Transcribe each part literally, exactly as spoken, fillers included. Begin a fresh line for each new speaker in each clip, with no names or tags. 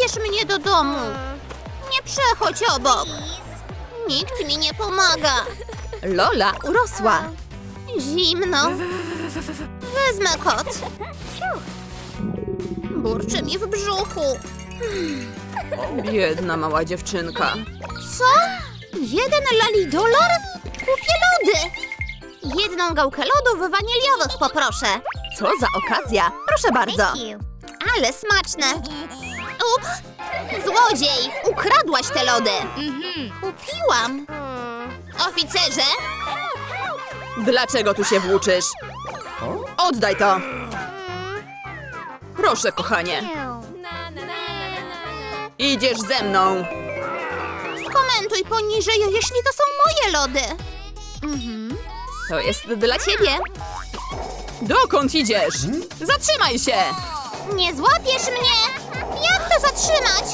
zabierz mnie do domu. Nie przechodź obok. Nikt mi nie pomaga. Lola urosła. Zimno. Wezmę kot. Burczy mi w brzuchu. Biedna mała dziewczynka. Co? Jeden lalidolar? Kupię lody. Jedną gałkę lodów waniliowych poproszę. Co za okazja. Proszę bardzo. Ale smaczne. Ups. Złodziej. Ukradłaś te lody. Kupiłam. Oficerze? Dlaczego tu się włóczysz? Oddaj to. Proszę, kochanie. Idziesz ze mną. Skomentuj poniżej, jeśli to są moje lody. Mhm. To jest dla ciebie. Dokąd idziesz? Zatrzymaj się! Nie złapiesz mnie! Jak to zatrzymać?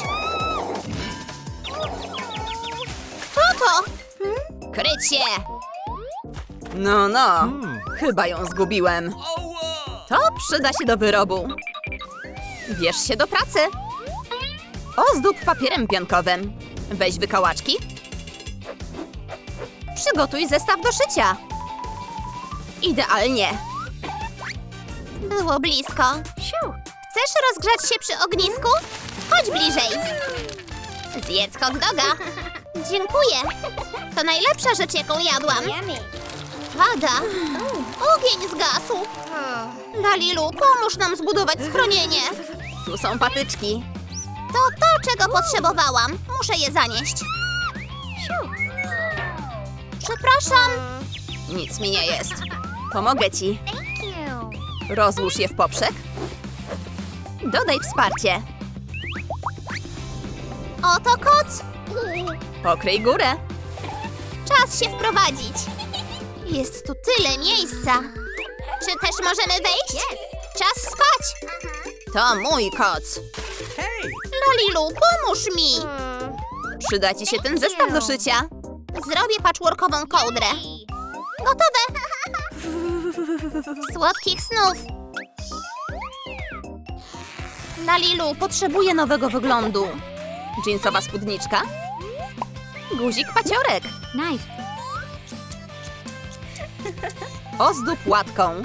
Kto to? Kryć się! No, no. Chyba ją zgubiłem. To przyda się do wyrobu. Bierz się do pracy. Ozdób papierem piankowym. Weź wykałaczki. Przygotuj zestaw do szycia. Idealnie. Było blisko. Chcesz rozgrzać się przy ognisku? Chodź bliżej. Zjedz hot doga. Dziękuję. To najlepsza rzecz, jaką jadłam. Pada. Ogień zgasł. Dalilu, pomóż nam zbudować schronienie. Tu są patyczki. To to, czego potrzebowałam. Muszę je zanieść. Przepraszam. Nic mi nie jest. Pomogę ci. Rozłóż je w poprzek. Dodaj wsparcie. Oto koc. Pokryj górę. Czas się wprowadzić. Jest tu tyle miejsca. Czy też możemy wejść? Czas spać. To mój koc. Lalilu, pomóż mi. Przyda ci się ten zestaw do szycia. Zrobię patchworkową kołdrę. Gotowe. Słodkich snów. Lalilu, potrzebuję nowego wyglądu. Jeansowa spódniczka. Guzik paciorek.
Nice.
Ozdób łatką.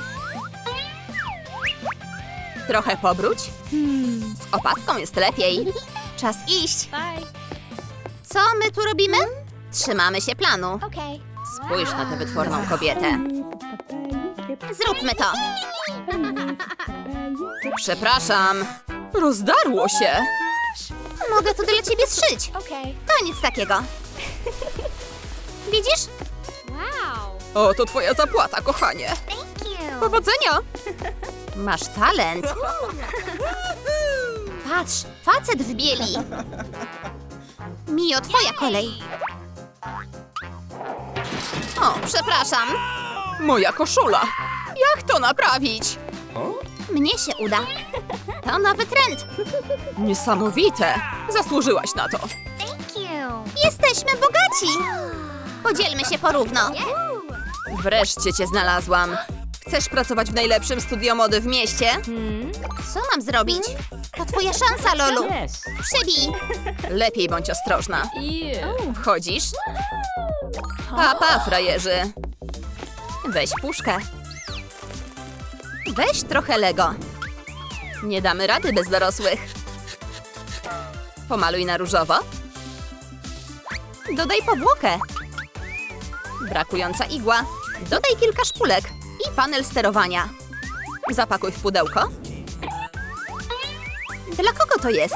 Trochę pobróć. Z opaską jest lepiej. Czas iść.
Bye.
Co my tu robimy? Trzymamy się planu.
Okay.
Spójrz na tę wytworną kobietę. Zróbmy to. Przepraszam. Rozdarło się. Mogę to dla ciebie zszyć.
Okay.
To nic takiego. Widzisz?
Wow.
O, to twoja zapłata, kochanie.
Thank you.
Powodzenia. Masz talent. Patrz, facet w bieli. Mio, twoja kolej. O, przepraszam. Moja koszula. Jak to naprawić? Mnie się uda. To nowy trend. Niesamowite. Zasłużyłaś na to.
Thank you.
Jesteśmy bogaci. Podzielmy się porówno. Wreszcie cię znalazłam. Chcesz pracować w najlepszym studio mody w mieście? Co mam zrobić? To twoja szansa, Lolu.
Yes.
Przybij. Lepiej bądź ostrożna.
Yeah.
Wchodzisz? Pa, pa, frajerzy. Weź puszkę. Weź trochę Lego. Nie damy rady bez dorosłych. Pomaluj na różowo. Dodaj powłokę. Brakująca igła. Dodaj kilka szpulek i panel sterowania. Zapakuj w pudełko. Dla kogo to jest?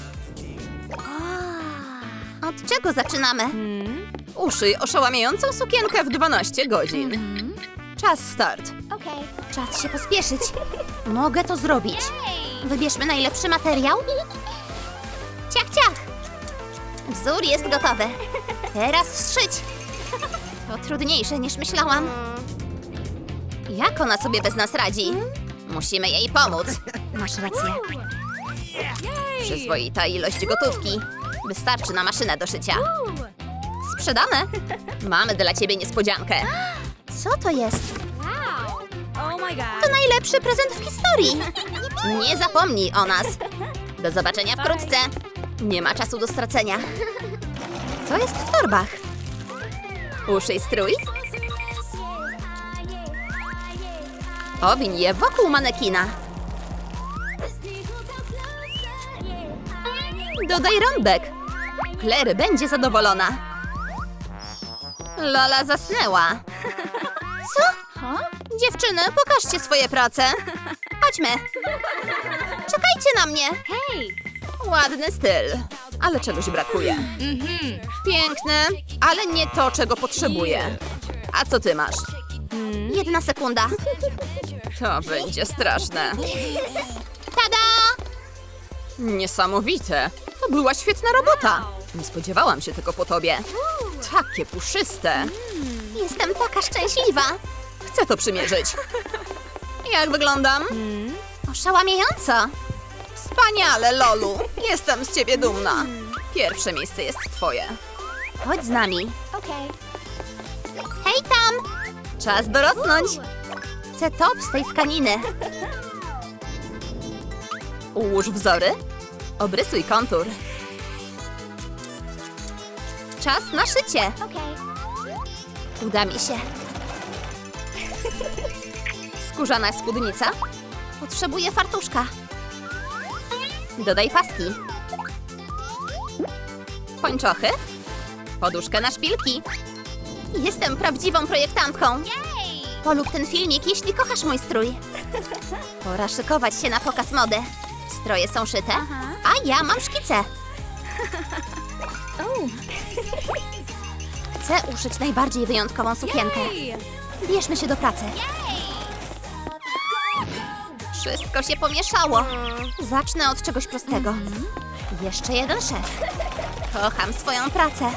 Od czego zaczynamy? Uszyj oszałamiającą sukienkę w dwanaście godzin. Czas start.
Okay.
Czas się pospieszyć. Mogę to zrobić. Wybierzmy najlepszy materiał. Ciach, ciach. Wzór jest gotowy. Teraz zszyć. To trudniejsze niż myślałam. Jak ona sobie bez nas radzi? Musimy jej pomóc. Masz rację. Przyzwoita ilość gotówki. Wystarczy na maszynę do szycia. Sprzedane. Mamy dla ciebie niespodziankę. Co to jest?
Wow. Oh my god.
To najlepszy prezent w historii. Nie zapomnij o nas. Do zobaczenia wkrótce. Nie ma czasu do stracenia. Co jest w torbach? Uszyj strój? Owiń je wokół manekina. Dodaj rąbek. Claire będzie zadowolona. Lola zasnęła. Co? Dziewczyny, pokażcie swoje prace. Chodźmy. Czekajcie na mnie.
Hey.
Ładny styl, ale czegoś brakuje. Piękny, ale nie to, czego potrzebuję. A co ty masz? Jedna sekunda. To będzie straszne. Tada! Niesamowite. To była świetna robota. Nie spodziewałam się tego po tobie. Takie puszyste. Jestem taka szczęśliwa. Chcę to przymierzyć. Jak wyglądam? Oszałamiająco. Wspaniale, Lolu. Jestem z ciebie dumna. Pierwsze miejsce jest twoje. Chodź z nami.
Okay.
Hej tam! Czas dorosnąć. Chcę top z tej tkaniny. Ułóż wzory. Obrysuj kontur. Czas na szycie.
Okay.
Uda mi się. Skórzana spódnica. Potrzebuję fartuszka. Dodaj paski. Pończochy. Poduszkę na szpilki. Jestem prawdziwą projektantką.
Yay!
Polub ten filmik, jeśli kochasz mój strój. Pora szykować się na pokaz mody. Stroje są szyte, a ja mam szkice.
Oh.
Chcę uszyć najbardziej wyjątkową sukienkę.
Yay!
Bierzmy się do pracy. Wszystko się pomieszało. Zacznę od czegoś prostego. Jeszcze jeden szef. Kocham swoją pracę.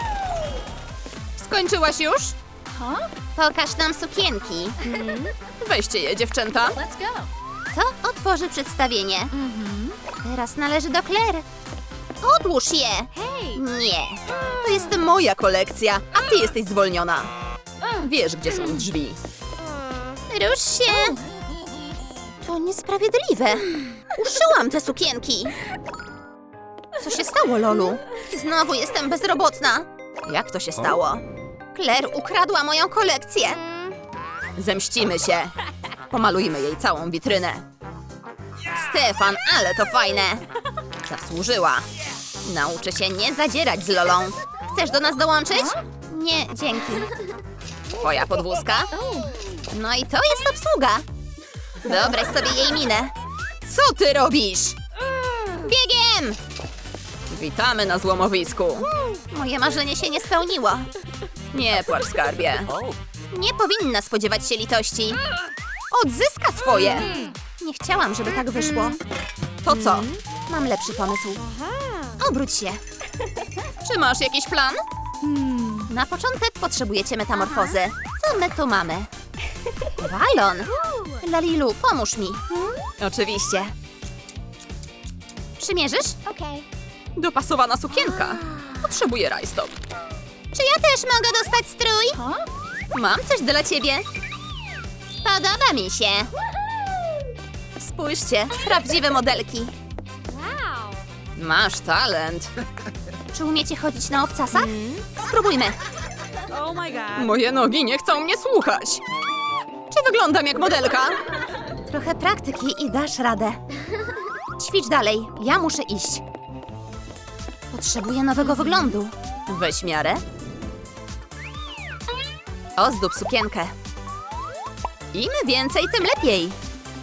Skończyłaś już?
Huh?
Pokaż nam sukienki. Weźcie je, dziewczęta.
Let's go.
To otworzy przedstawienie. Teraz należy do Claire. Odłóż je.
Hey.
Nie. To jest moja kolekcja, a ty jesteś zwolniona. Wiesz, gdzie są drzwi. Rusz się. To niesprawiedliwe. Uszyłam te sukienki. Co się stało, Lolu? Znowu jestem bezrobotna. Jak to się stało? Claire ukradła moją kolekcję. Zemścimy się. Pomalujmy jej całą witrynę. Stefan, ale to fajne. Zasłużyła. Nauczę się nie zadzierać z Lolą. Chcesz do nas dołączyć? Nie, dzięki. Twoja podwózka? No i to jest obsługa. Wyobraź sobie jej minę. Co ty robisz? Biegiem! Witamy na złomowisku. Moje marzenie się nie spełniło. Nie płacz, skarbie. Nie powinna spodziewać się litości. Odzyska swoje. Nie chciałam, żeby tak wyszło. To co? Mam lepszy pomysł. Obróć się. Czy masz jakiś plan? Na początek potrzebujecie metamorfozy. Co my tu mamy? Balon. Lalilu, pomóż mi. Oczywiście. Przymierzysz?
Okay.
Dopasowana sukienka. Potrzebuję rajstop. Czy ja też mogę dostać strój?
Huh?
Mam coś dla ciebie. Podoba mi się. Spójrzcie, prawdziwe modelki.
Wow.
Masz talent. Czy umiecie chodzić na obcasach? Spróbujmy.
Oh my god.
Moje nogi nie chcą mnie słuchać. Czy wyglądam jak modelka? Trochę praktyki i dasz radę. Ćwicz dalej, ja muszę iść. Potrzebuję nowego wyglądu. Weź miarę. Ozdób sukienkę. Im więcej, tym lepiej.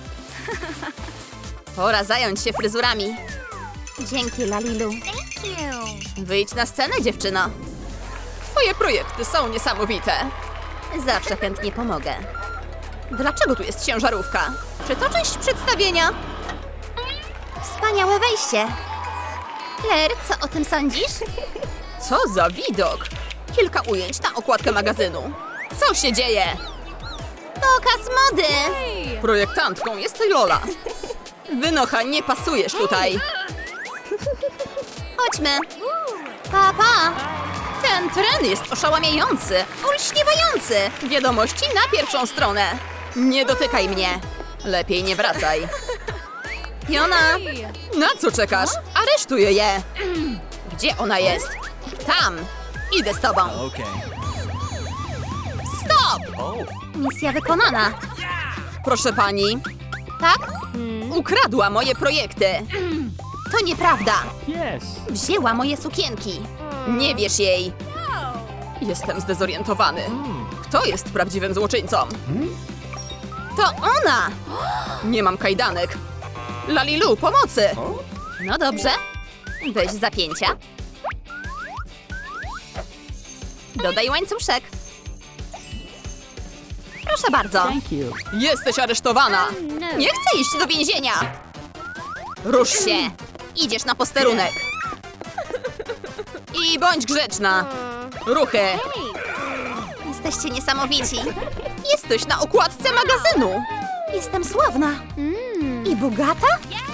Pora zająć się fryzurami. Dzięki, Lalilu.
Thank you.
Wyjdź na scenę, dziewczyno. Twoje projekty są niesamowite. Zawsze chętnie pomogę. Dlaczego tu jest ciężarówka? Czy to część przedstawienia? Wspaniałe wejście. Claire, co o tym sądzisz? Co za widok! Kilka ujęć na okładkę magazynu. Co się dzieje? Pokaz mody!
Hey.
Projektantką jest Lola. Wynocha, nie pasujesz tutaj. Chodźmy. Pa, pa. Ten tren jest oszałamiający, olśniewający. Wiadomości na pierwszą stronę. Nie dotykaj mnie. Lepiej nie wracaj.
Fiona! Na co czekasz? Aresztuję je! Gdzie ona jest? Tam! Idę z tobą!
Okay.
Stop!
Oh.
Misja wykonana.
Proszę pani,
Tak?
ukradła moje projekty. To nieprawda.
Yes.
Wzięła moje sukienki.
Nie wiesz jej. Jestem zdezorientowany. Kto jest prawdziwym złoczyńcą? To ona! Nie mam kajdanek. Lalilu, pomocy!
No dobrze. Weź zapięcia. Dodaj łańcuszek. Proszę bardzo.
Thank you.
Jesteś aresztowana! Nie chcę iść do więzienia! Rusz się! Idziesz na posterunek! I bądź grzeczna! Ruchy!
Jesteście niesamowici.
Jesteś na okładce magazynu!
Jestem sławna. I bogata?